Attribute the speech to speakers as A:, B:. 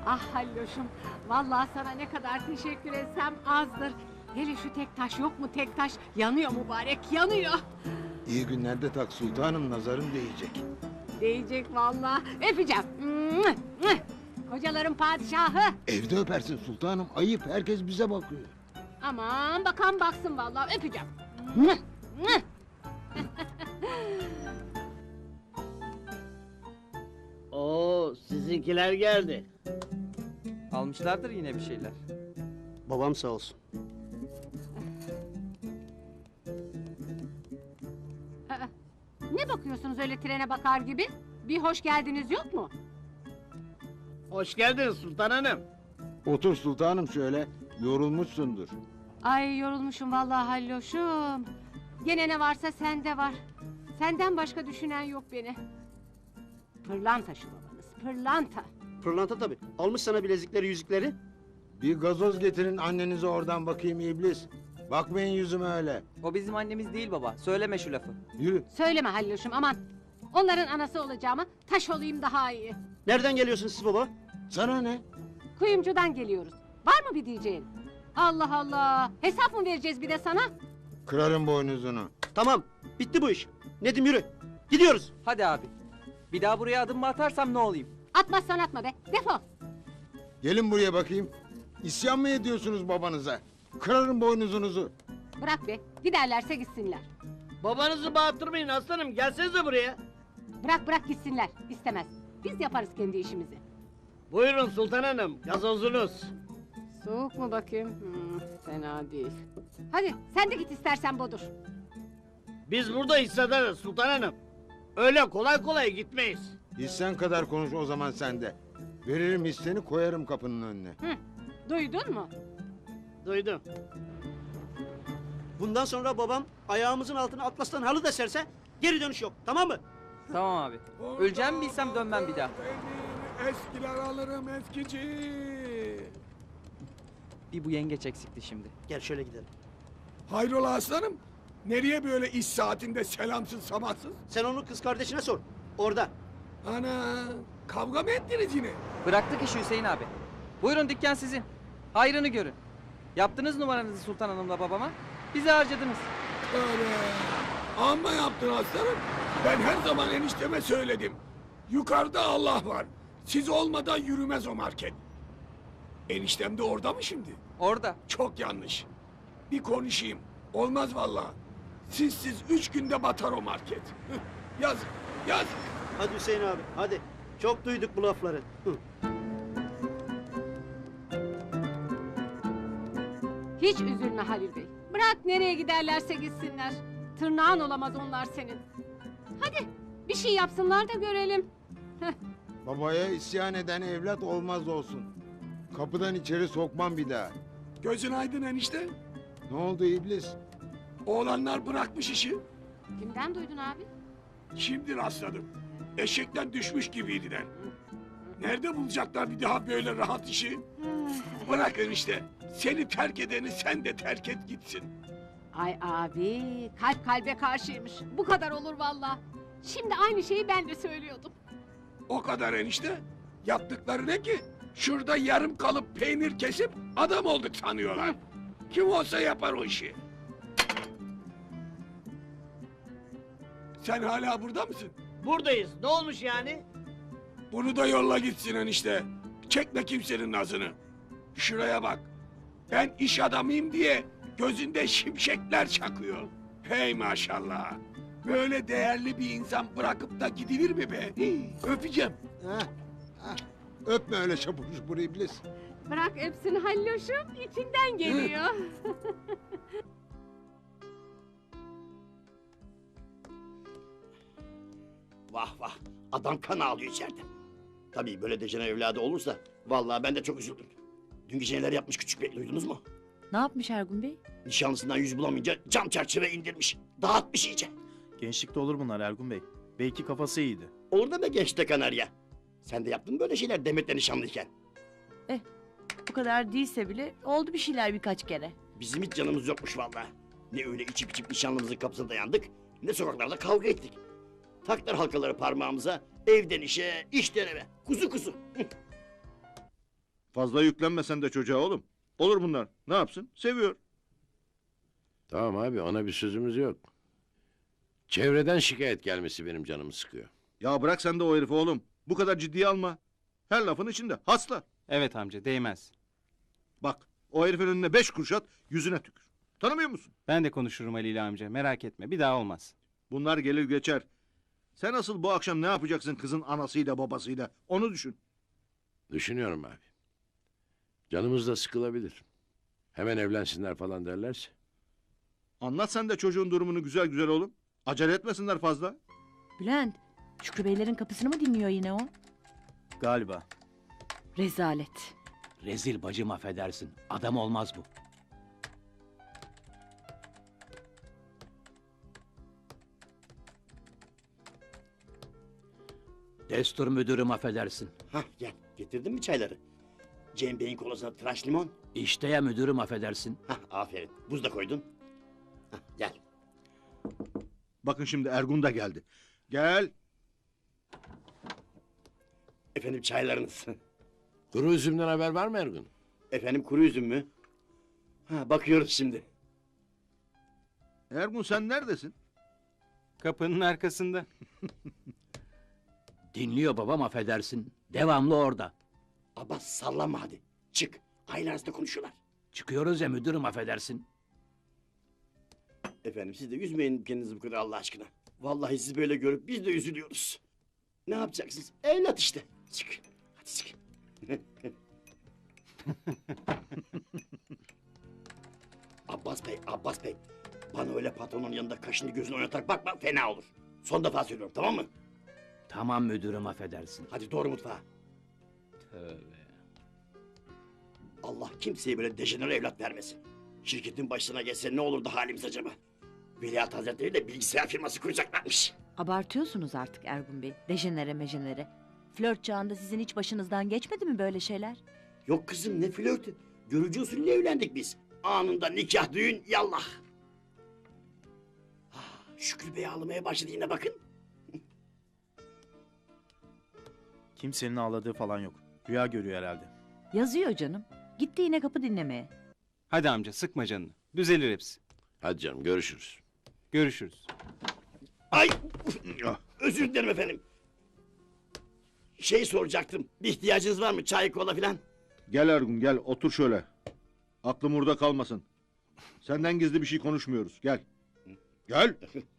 A: Ah Halloşum, vallahi sana ne kadar teşekkür etsem azdır. Hele şu tek taş yok mu tek taş? Yanıyor mübarek, yanıyor.
B: İyi günlerde tak sultanım, nazarın değecek.
A: Değecek vallahi. Öpeceğim. Kocaların padişahı.
B: Evde öpersin sultanım, ayıp, herkes bize bakıyor.
A: Aman bakan baksın vallahi, öpeceğim.
C: Oo, sizinkiler geldi.
D: Almışlardır yine bir şeyler.
E: Babam sağ olsun.
A: Ne bakıyorsunuz öyle trene bakar gibi? Bir hoş geldiniz yok mu?
C: Hoş geldin Sultan Hanım.
B: Otur sultanım şöyle, yorulmuşsundur.
A: Ay yorulmuşum vallahi Halloşum. Gene ne varsa sende var. Senden başka düşünen yok beni. Pırlanta şu babanız, pırlanta.
E: Pırlanta tabii. Almış sana bilezikleri, yüzükleri.
B: Bir gazoz getirin annenize, oradan bakayım iblis. Bakmayın yüzüme öyle.
D: O bizim annemiz değil baba. Söyleme şu lafı.
B: Yürü.
A: Söyleme Halloşum aman. Onların anası olacağıma taş olayım daha iyi.
E: Nereden geliyorsun siz baba?
B: Sana ne?
A: Kuyumcudan geliyoruz. Var mı bir diyeceğin? Allah Allah. Hesap mı vereceğiz bir de sana?
B: Kırarım boynuzunu.
E: Tamam. Bitti bu iş. Nedim yürü. Gidiyoruz.
D: Hadi abi. Bir daha buraya adım mı atarsam ne olayım?
A: Atmazsan atma be. Defol.
B: Gelin buraya bakayım. İsyan mı ediyorsunuz babanıza? Kırarım boynuzunuzu.
A: Bırak be. Giderlerse gitsinler.
C: Babanızı bağırtırmayın aslanım, gelsenize buraya.
A: Bırak gitsinler. İstemez. Biz yaparız kendi işimizi.
C: Buyurun Sultan Hanım, gazozunuz.
A: Soğuk mu bakayım? Fena değil. Hadi sen de git istersen Bodur.
C: Biz burada hissedarız Sultan Hanım. Öyle kolay kolay gitmeyiz.
B: Hissen kadar konuş o zaman sen de. Veririm hisseni, koyarım kapının önüne.
A: Duydun mu?
C: Duydum.
E: Bundan sonra babam ayağımızın altına atlastan halı da serse geri dönüş yok. Tamam mı?
D: Tamam abi. Öleceğimi bilsem dönmem bir daha.
F: Eskiler alırım eskici.
D: Bir bu yengeç eksikti şimdi.
E: Gel şöyle gidelim.
F: Hayrola aslanım? Nereye böyle iş saatinde selamsız sabahsız?
E: Sen onu kız kardeşine sor. Orada.
F: Ana, kavga mı ettiniz yine?
D: Bıraktık işi Hüseyin abi. Buyurun dükkan sizin. Hayrını görün. Yaptınız numaranızı Sultan Hanım'la babama. Bizi harcadınız.
F: Öyle. Amma yaptın aslanım. Ben her zaman enişteme söyledim. Yukarıda Allah var. Siz olmadan yürümez o market. Eniştem de orada mı şimdi?
D: Orada.
F: Çok yanlış. Bir konuşayım. Olmaz vallahi. Siz 3 günde batar o market. Yazık, yazık.
E: Hadi Hüseyin abi hadi. Çok duyduk bu lafları.
A: Hiç üzülme Halil Bey. Bırak nereye giderlerse gitsinler. Tırnağın olamaz onlar senin. Hadi bir şey yapsınlar da görelim.
B: Babaya isyan eden evlat olmaz olsun. Kapıdan içeri sokmam bir daha.
F: Gözün aydın enişte.
B: Ne oldu iblis?
F: Oğlanlar bırakmış işi.
A: Kimden duydun abi?
F: Şimdi rastladım. Eşekten düşmüş gibiydiler. Nerede bulacaklar bir daha böyle rahat işi? Bırak enişte. Seni terk edeni sen de terk et gitsin.
A: Ay abi kalp kalbe karşıymış. Bu kadar olur vallahi. Şimdi aynı şeyi ben de söylüyordum.
F: O kadar enişte. Yaptıkları ne ki? Şurada yarım kalıp peynir kesip adam olduk sanıyorlar. Kim olsa yapar o işi. Sen hala burada mısın?
C: Buradayız, ne olmuş yani?
F: Bunu da yolla gitsin enişte. Çekme kimsenin nazını. Şuraya bak. Ben iş adamıyım diye gözünde şimşekler çakıyor. Hey maşallah. Böyle değerli bir insan bırakıp da gidilir mi be? Hii, öpeceğim.
B: Heh, heh. Öpme öyle şapur şupur iblis.
A: Bırak öpsün Halloşum, içinden geliyor.
G: Vah vah, adam kan ağlıyor içeride. Tabii böyle Decene evladı olursa vallahi ben de çok üzüldüm. Dün gece neler yapmış küçük bey, duydunuz mu?
H: Ne yapmış Ergun Bey?
G: Nişanlısından yüz bulamayınca cam çerçeve indirmiş. Dağıtmış iyice.
I: Gençlikte olur bunlar Ergun Bey. Belki kafası iyiydi.
G: Olur da be gençte kanarya. Sen de yaptın böyle şeyler Demet'le nişanlıyken.
H: Bu kadar değilse bile oldu bir şeyler birkaç kere.
G: Bizim hiç canımız yokmuş vallahi. Ne öyle içip içip nişanlımızın kapısına dayandık, ne sokaklarda kavga ettik. Taklar halkaları parmağımıza, evden işe, işten eve. Kuzu kuzu.
J: Fazla yüklenme sen de çocuğa oğlum. Olur bunlar. Ne yapsın? Seviyor.
K: Tamam abi ona bir sözümüz yok. Çevreden şikayet gelmesi benim canımı sıkıyor.
J: Ya bırak sen de o herifi oğlum. Bu kadar ciddiye alma. Her lafın içinde. Hasta.
D: Evet amca değmez.
J: Bak o herifin önüne 5 kuruş at yüzüne tükür. Tanımıyor musun?
D: Ben de konuşurum Ali ile amca merak etme bir daha olmaz.
J: Bunlar gelir geçer. Sen asıl bu akşam ne yapacaksın kızın anasıyla babasıyla? Onu düşün.
K: Düşünüyorum abi. Canımız da sıkılabilir. Hemen evlensinler falan derlerse.
J: Anlat sen de çocuğun durumunu güzel güzel oğlum. Acele etmesinler fazla.
H: Bülent, Şükrü Beylerin kapısını mı dinliyor yine o?
I: Galiba.
H: Rezalet.
C: Rezil bacım affedersin. Adam olmaz bu. Destur müdürüm affedersin.
G: Hah gel. Getirdin mi çayları? Cem Bey'in kolasına tıraş limon.
C: İşte ya müdürüm affedersin.
G: Hah aferin. Buz da koydun. Hah gel.
J: Bakın şimdi Ergun da geldi. Gel.
G: Efendim çaylarınız.
K: Kuru üzümden haber var mı Ergun?
G: Efendim kuru üzüm mü? Ha bakıyoruz şimdi.
J: Ergun sen neredesin?
D: Kapının arkasında.
C: Dinliyor babam affedersin. Devamlı orada.
G: Abbas sallanma hadi. Çık. Aile arasında konuşuyorlar.
C: Çıkıyoruz ya müdürüm affedersin.
G: Efendim siz de üzmeyin kendinizi bu kadar Allah aşkına. Vallahi sizi böyle görüp biz de üzülüyoruz. Ne yapacaksınız? Evlat işte. Çık. Hadi çık. Abbas Bey, Abbas Bey. Bana öyle patronun yanında kaşını gözünü oynatarak bakma fena olur. Son defa söylüyorum tamam mı?
C: Tamam müdürüm affedersin.
G: Hadi doğru mutfağa.
C: Tövbe.
G: Allah kimseye böyle dejenere evlat vermesin. Şirketin başına geçse ne olurdu halimiz acaba? Veliaht Hazretleri de bilgisayar firması kuracaklarmış.
H: Abartıyorsunuz artık Ergun Bey. Dejenere mejenere. Flört çağında sizin hiç başınızdan geçmedi mi böyle şeyler?
G: Yok kızım ne flörtü. Görücü usulüyle evlendik biz. Anında nikah düğün yallah. Ah, Şükrü Bey ağlamaya başladı yine bakın.
I: Kimsenin ağladığı falan yok. Rüya görüyor herhalde.
H: Yazıyor canım. Gitti yine kapı dinlemeye.
D: Hadi amca sıkma canını. Düzelir hepsi.
K: Hadi canım görüşürüz.
D: Görüşürüz.
G: Ay özür dilerim efendim. Şey soracaktım. Bir ihtiyacınız var mı? Çay, kola filan?
J: Gel Ergun gel otur şöyle. Aklım burada kalmasın. Senden gizli bir şey konuşmuyoruz. Gel. Gel.